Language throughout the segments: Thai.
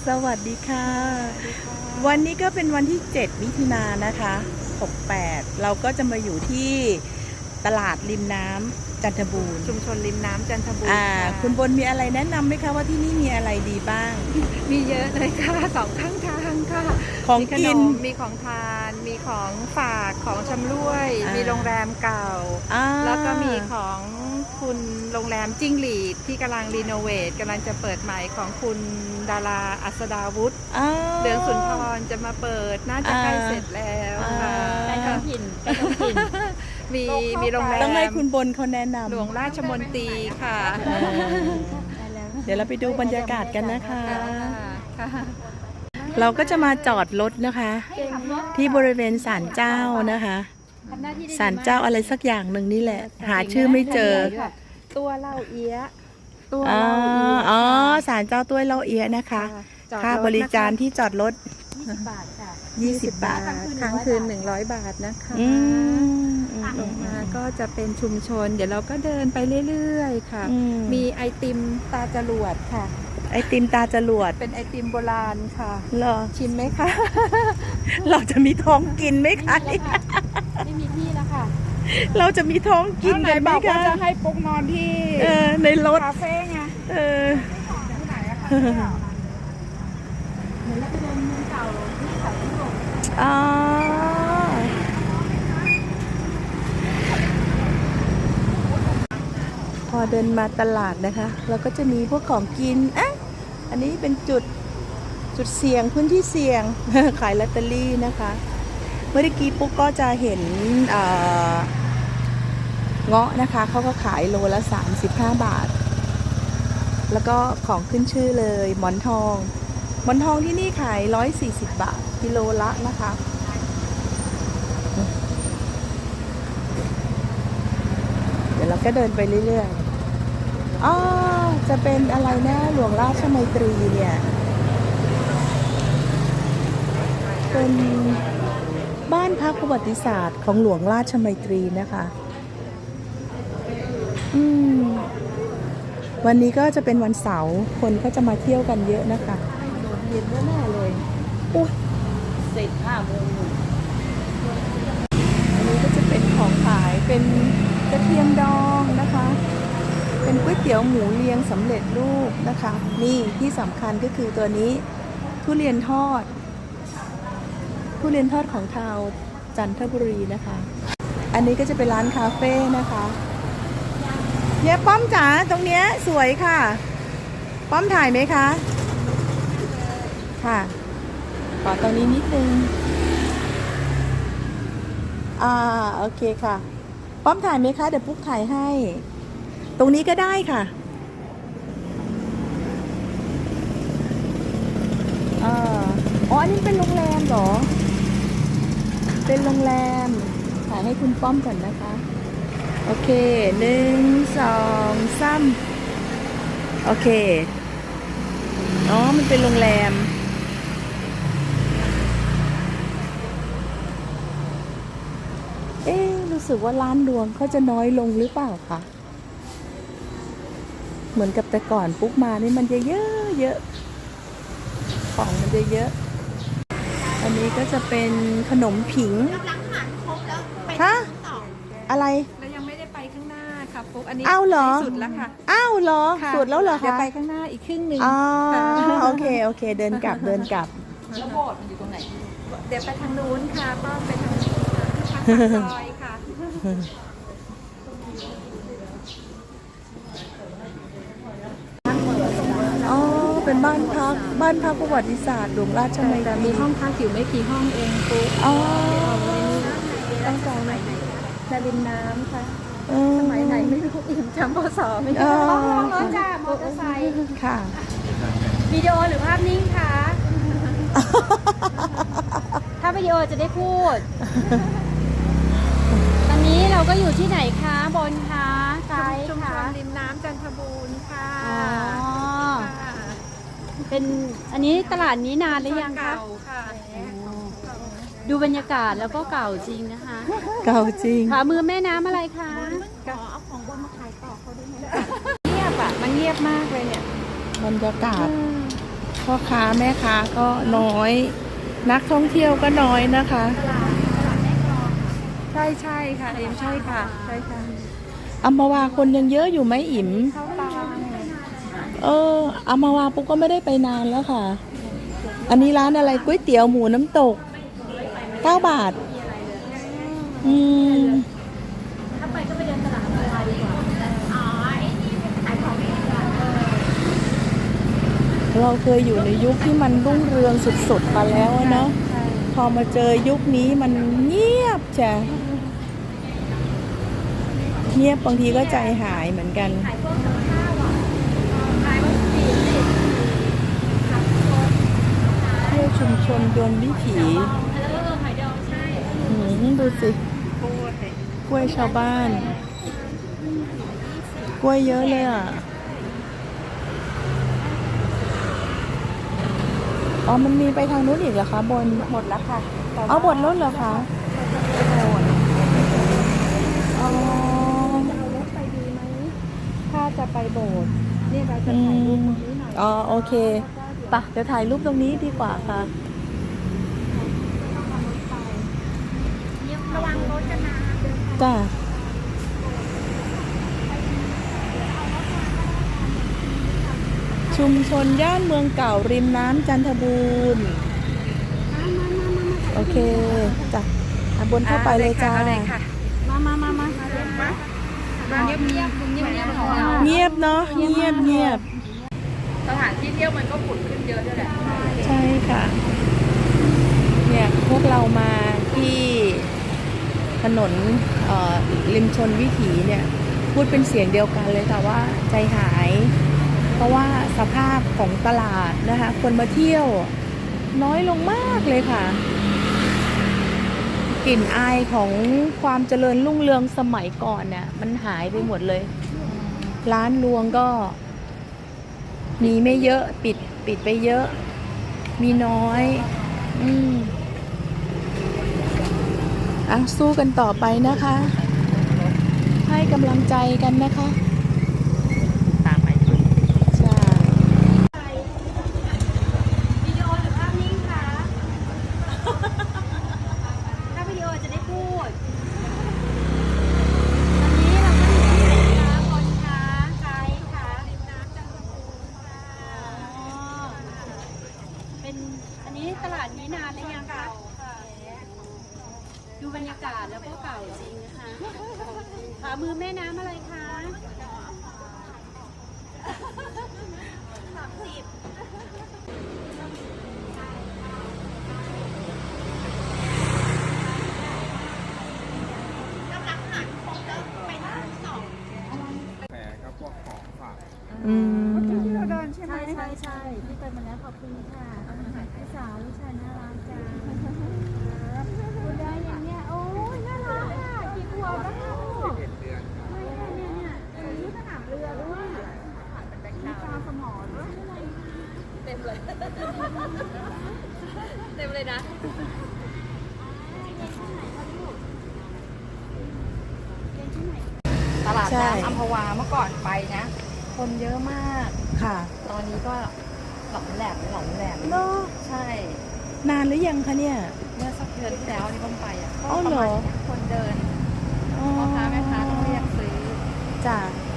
สวัสดีค่ะวันนี้ก็เป็นวันที่7มิถุนายนนะคะ68เราก็จะมาอยู่ที่ตลาดริมน้ำจันทบูรณ์ชุมชนริมน้ำจันทบูรณ์คุณบนมีอะไรแนะนำไหมคะว่าที่นี่มีอะไรดีบ้างมีเยอะเลยค่ะสองข้างทางค่ะของกินมีของทานมีของฝากของชำร่วยมีโรงแรมเก่าแล้วก็มีของคุณโรงแรมจิ้งหรีดที่กำลังรีโนเวทกำลังจะเปิดใหม่ของคุณดาราอัศดาวุฒิเดือนสุนทรจะมาเปิดน่าจะใกล้เสร็จแล้วค่ะใกล้ท้องถิ่นใกล้ท้องถิ่นมีโรงแรมต้องให้คุณบนเขาแนะนำหลวงราชมนตรีค่ะเดี๋ยวเราไปดูบรรยากาศกันนะคะเราก็จะมาจอดรถนะคะที่บริเวณศาลเจ้านะคะศาลเจ้าอะไรสักอย่างหนึ่งนี่แหละหาชื่อไม่เจอตัวเล่าเอี้ยอ๋อศาลเจ้าตัวเล่าเอี้ยนะคะค่าบริการที่จอดรถ 20 บาทค่ะ 20 บาทค้างคืน100 บาทนะคะลงมาก็จะเป็นชุมชนเดี๋ยวเราก็เดินไปเรื่อยๆค่ะมีไอติมตาจรวดค่ะไอติมตาจรวดเป็นไอติมโบราณค่ะเหรอชิมไหมคะเราจะมีท้องกินไหมคะไม่มีที่แล้วค่ะเราจะมีท้องกินกันไหมคะจะให้ปุ๊กนอนที่ในรถคาเฟ่ไงพอเดินมาตลาดนะคะเราก็จะมีพวกของกินอันนี้เป็นจุดเสี่ยงพื้นที่เสี่ยง ขายลอตเตอรี่นะคะเมื่อกี้ปุ๊กก็จะเห็นเงาะนะคะเขาก็ขายโลละ35 บาทแล้วก็ของขึ้นชื่อเลยหมอนทองที่นี่ขาย140 บาทกิโลละนะคะเดี๋ยวเราก็เดินไปเรื่อยๆจะเป็นอะไรนะหลวงราชมัยตรีเนี่ยเป็นบ้านพักประวัติศาสตร์ของหลวงราชมัยตรีนะคะวันนี้ก็จะเป็นวันเสาร์คนก็จะมาเที่ยวกันเยอะนะคะโดนเย็นแน่ๆเลยอุ๊ยเสร็จ5 โมงอันนี้ก็จะเป็นของขายเป็นกระเทียมดองนะคะเป็นก๋วยเตี๋ยวหมูเรียงสำเร็จรูปนะคะนี่ที่สำคัญก็คือตัวนี้ทุเรียนทอดของชาวจันทบุรีนะคะอันนี้ก็จะเป็นร้านคาเฟ่นะคะเนี่ยป้อมจ๋าตรงเนี้ยสวยค่ะป้อมถ่ายไหมคะค่ะขอตรงนี้นิดนึงโอเคค่ะป้อมถ่ายไหมคะเดี๋ยวปุ๊กถ่ายให้ตรงนี้ก็ได้ค่ะอันนี้เป็นโรงแรมเหรอเป็นโรงแรมถ่ายให้คุณป้อมก่อนนะคะโอเค1 2 3โอเคมันเป็นโรงแรมรู้สึกว่าร้านรวงเขาจะน้อยลงหรือเปล่าคะเหมือนกับแต่ก่อนปุ๊กมานี่มันจะเยอะของมันจะเยอะอันนี้ก็จะเป็นขนมผิงฮะอะไรเรายังไม่ได้ไปข้างหน้าค่ะปุ๊กอันนี้สุดแล้วค่ะเหรอสุดแล้วเหรอคะเดี๋ยวไปข้างหน้าอีกครึ่งนึงโอเคเดินกลับแล้วโบสถ์มันอยู่ตรงไหนเดี๋ยวไปทางนู้นค่ะป้อมไปทางนู้นค่ะซอยค่ะเป็นบ้านพักประวัติศาสตร์หลวงราชมัยตรีมีห้องพักอยู่ไม่กี่ห้องเองปุ๊บต้องจองไหนริมน้ำค่ะสมัยไหนไม่รู้อิ่มจำพศไม่ได้รถจ้ามอเตอร์ไซค์ค่ะวิดีโอหรือภาพนิ่งคะถ้าวิดีโอจะได้พูดตอนนี้เราก็อยู่ที่ไหนคะบนคะซ้ายชุมชค่ะนริมน้ำจันทบูรณ์ค่ะเป็นอันนี้ตลาดนี้นานหรือยังคะดูบรรยากาศแล้วก็เก่าจริงนะคะเก่าจริงขวามือแม่น้ำอะไรคะขอเอาของบนมาขายต่อเขาด้วยไหมเงียบมันเงียบมากเลยเนี่ยบรรยากาศพอพ่อค้าแม่ค้าก็น้อย นักท่องเที่ยวก็น้อยนะคะใช่ใช่ค่ะเอ็มใช่ค่ะใช่ค่ะอัมพวาคนยังเยอะอยู่ไหมอิ๋มเข้าตาอัมพวาปุ๊กก็ไม่ได้ไปนานแล้วค่ะ อันนี้ร้านอะไรก๋วยเตี๋ยวหมูน้ำตก9 บาทถ้าไปก็ไปเดินตลาดออนไลน์ดีกว่าอ๋อไอ้นี่ขายของเองค่ะเราเคยอยู่ในยุคที่มันรุ่งเรืองสุดๆมาแล้วอะเนาะพอมาเจอยุคนี้มันเงียบจ้ะเงียบบางทีก็ใจหายเหมือนกันขายพวกกับข้าวอ่ะขายวัตถุดิบขับรถเที่ยวชุมชนยนต์วิถีแล้วก็หอยดองใช่ดูสิกล้วยกล้วยชาวบ้าน กล้วยเยอะเลยอ่ะ อ๋อ มันมีไปทางนู้นอีกเหรอคะบนหมดแล้วค่ะเอาบทรถเหรอคะ อ๋อเอารถไปดีไหมถ้าจะไปโบสถ์นี่เราจะถ่ายรูปตรงนี้หน่อยอ๋อ โอเคปะเดี๋ยวถ่ายรูปตรงนี้ดีกว่าค่ะระวังรถกันนะจ้าชุมชนย่านเมืองเก่าริมน้ำจันทบูรณ์โอเคจ้ะบนเข้าไปเลยจ้าเลยค่ะมาเงียบเงียบเงียบเงียบของเราเงียบเนาะเงียบเงียบสถานที่เที่ยวมันก็ผุดขึ้นเยอะด้วยแหละใช่ค่ะ เนี่ยพวกเรามาที่ถนนริมชนวิถีเนี่ยพูดเป็นเสียงเดียวกันเลยค่ะว่าใจหาย เพราะว่าสภาพของตลาดนะคะคนมาเที่ยวน้อยลงมากเลยค่ะ กลิ่นอายของความเจริญรุ่งเรืองสมัยก่อนเนี่ยมันหายไปหมดเลย ร้านรวงก็มีไม่เยอะปิดไปเยอะ มีน้อยสู้กันต่อไปนะคะ ให้กำลังใจกันนะคะตามไปใช่วิดีโอหรือภาพนิ่งคะถ้าวิดีโอจะได้พูดวันนี้เราก็อยู่ที่ไหนคะบนคะไกด์คะริมน้ำจันทบูรณ์ค่ะเป็นอันนี้ตลาดนี้นานหรือยังคะดูบรรยากาศแล้วก็เก่าจริงนะคะขวามือแม่น้ำอะไรคะที่เราเดินใช่ไหมใช่ที่ไปมาแล้วขอบคุณค่ะพี่สาวลูกชายน่ารักจังคุณได้อย่างเนี้ยโอ้ยน่ารักอ่ะกี่ขวบแล้วคะลูกเนี่ยมีสนามเรือด้วยมีปลาสมอด้วยเต็มเลยนะตลาดน้ำอัมพวาเมื่อก่อนไปนะ คนเยอะมากค่ะตอนนี้ก็หลอมแหลมเนาะใช่นานหรือยังคะเนี่ยเมื่อสักเดือนที่แล้วที่ผมไปอ่ะก็อ๋อประเหรมาอณคนเดินพ่อค้าแม่ค้าต้องเรียกซื้อจ้ะ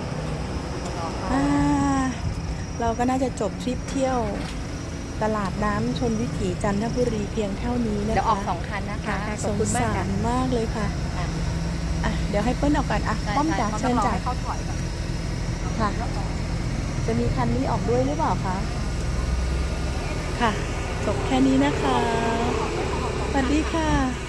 เราก็น่าจะจบทริปเที่ยวตลาดน้ำชนวิถีจันทบุรีเพียงเท่านี้นะคะเดี๋ยวออก2 คันนะคะขสอบงคุณมากสาค่ะรมากเลยค่ะเดี๋ยวให้เปิ้ลออกก่อนป้อมจ๋าเชิญจ๋าเขาถอยก่อนค่ะ จะมีคันนี้ออกด้วยหรือเปล่าคะ ค่ะ จบแค่นี้นะคะ สวัสดีค่ะ